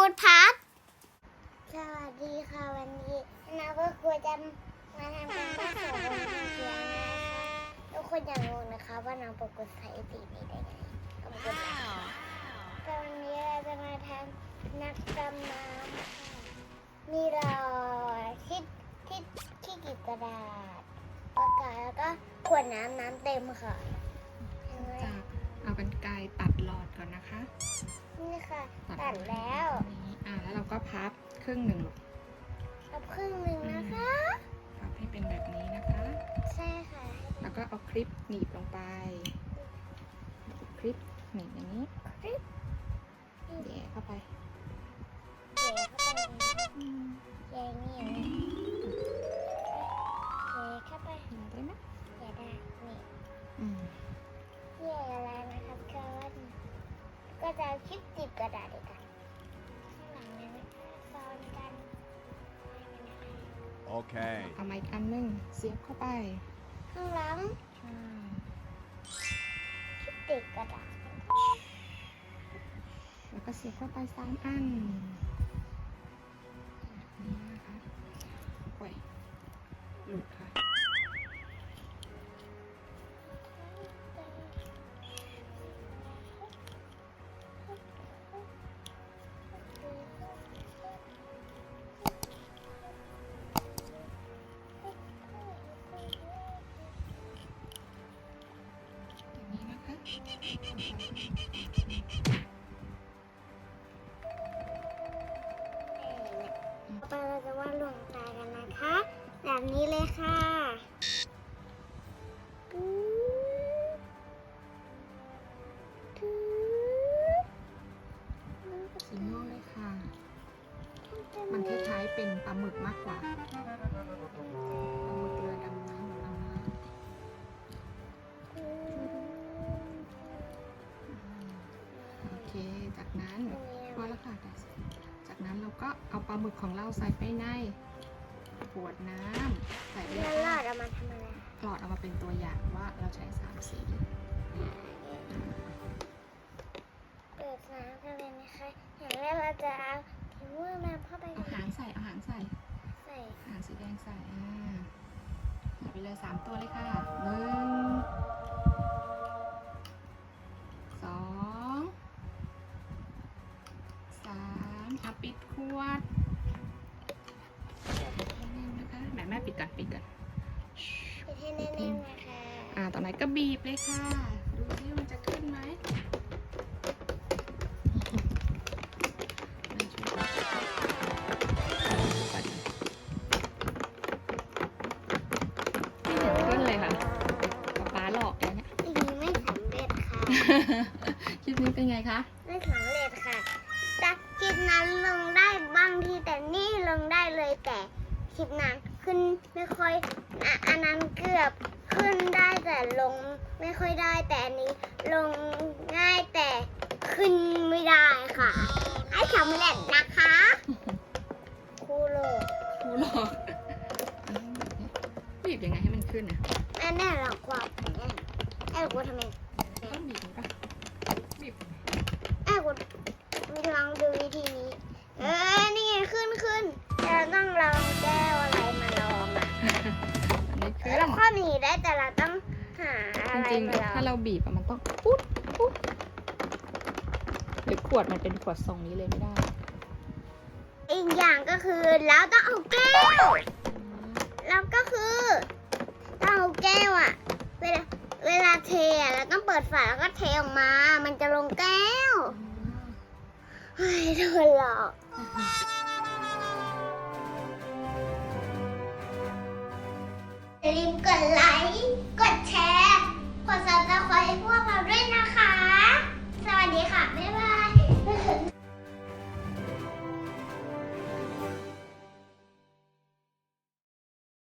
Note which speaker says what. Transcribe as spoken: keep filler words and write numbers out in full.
Speaker 1: ดพัดสวัสดีค่ะวันนี้นาก็ควรจะมาทำการบ้านสอนเขียนนะคะทุกคนอย่างงงนะคะว่าน้องปกติใส่สีนี้ได้ไงก็ปกติตอนนี้เราจะมาทำนักดำน้ำค่ะมีเราที่ที่ที่กีบกระดาษปากกาแล้วก็ขวดน้ำน้ำเต็มค่ะเห็นไหม
Speaker 2: จะเอากรรไกรตัดหลอดก่อนนะคะ
Speaker 1: นี่ค่ะตัดแล้ว
Speaker 2: นี้อ่าแล้วเราก็พับครึ่งหนึ่ง
Speaker 1: เอาครึ่งหนึ่งนะคะ
Speaker 2: พับให้เป็นแบบนี้นะคะ
Speaker 1: ใช่ค่ะ
Speaker 2: แล้วก็เอาคลิปหนีบลงไปคลิปหนีบอย่างนี้
Speaker 1: คลิป
Speaker 2: แย่เข้าไป
Speaker 1: เย่เข้าไปเย่นี่อย่างนี้เย่เข้าไป
Speaker 2: เห็นได้ไหม
Speaker 1: เย่ได้นี่
Speaker 2: อืม
Speaker 1: เย่แล้วนะครับก็ก็จะเอาคลิปติดกระดาษเลยกันข้างหลังนั้นซ้อนกัน
Speaker 3: Okay.
Speaker 2: เอาไม้อันหนึงเสียบเข้าไป
Speaker 1: ข้างหลัง
Speaker 2: ใช่
Speaker 1: คลิปติดกระดาษ
Speaker 2: แล้วก็เสียบเข้าไปสามอันแบบนี้นะคะโอ้ยหลุดค่ะอย่างนี้นะคะ
Speaker 1: ต่อไปเราจะวาดดวงตากันนะคะแบบนี้เลยค่ะปึ๊บปึ๊บ
Speaker 2: สีม่วงเลยค่ะ มันคล้ายๆเป็นปลาหมึกมากกว่า ปลาหมึกเรือดำน้ำของเรานะโอเค จากนั้นพอแล้วค่ะจากนั้นเราก็เอาปลาหมึกของเราใส่ไปในขวดน้ำใส่ไปเล
Speaker 1: แล้ว
Speaker 2: ย
Speaker 1: หลอ
Speaker 2: ค่ะ
Speaker 1: ดเอามาทำอะไร
Speaker 2: หลอดเอามาเป็นตัวอย่างว่าเราใช้สามสี
Speaker 1: เปิดน้ำกันเลยนะคะอย่างแรกเราจะเอาถุงมือมาเข้าไป
Speaker 2: เอาหางใส่ เอาหางใส่
Speaker 1: ใส่
Speaker 2: หางสีแดงใส่ อ่าใส่ไปเลยสามตัวเลยค่ะหนึ่งสองสามเอาปิดขวดแน่นๆนะคะแม่แม่ปิดก่อนปิดก่อน
Speaker 1: ปิดให้แน่นๆนะคะ
Speaker 2: อ่าต่อไปก็บีบเลยค่ะ ดูซิมันจะขึ้นไหมไม่ช่วยก่อนไม่เห็นขึ้นเลยค่ะป๊าป๊าหลอกแล้วเนี่ย
Speaker 1: อันนี้ไม่สำเร็จค่ะ
Speaker 2: คลิปนี้เป็นไงคะ
Speaker 1: ไม่สำเร็จค่ะแต่คลิปนั้นลงได้บางทีแต่นี่ลงได้เลยแต่คลิปนั้นขึ้นไม่ค่อยอ่ะอันนั้นเกือบขึ้นได้แต่ลงไม่ค่อยได้แต่อันนี้ลงง่ายแต่ขึ้นไม่ได้ค่ะ ให้สำเร็จนะคะครูโลก
Speaker 2: ครูหลอกบีบยังไงให้มันขึ้นอ่ะ
Speaker 1: แม่แน่หรอกว่าแม่แม่กูทำไม
Speaker 2: ต้องบีบมันปะบีบ
Speaker 1: แม่กูมีลองดูวิธีนี้เออนี่ไงขึ้นขึ้นแต่เราต้องลองแก้วอะไรมาลองอ่ะ
Speaker 2: อันนี้ขึ้น
Speaker 1: เราคว้าหนีได้แต่เราต้องหาอะ
Speaker 2: จ
Speaker 1: ไร
Speaker 2: ริง
Speaker 1: มาล
Speaker 2: ๆ
Speaker 1: อง
Speaker 2: ถ้าเราบีบอะมันต้องปุ๊บปุ๊บหรือขวดมันเป็นขวดทรงนี้เลยไม่ได้
Speaker 1: อีกอย่างก็คือเราต้องเอาแก้วแล้วก็คือต้องเอาแก้วอ่ะ เวลาเวลาเทอะเราต้องเปิดฝาแล้วก็เทออกมา มันจะลงแก้วเฮ้ยโดนหลอกอย่าลืมกดไลค์ กดแชร์ กดซับสไครต์พวกเราด้วย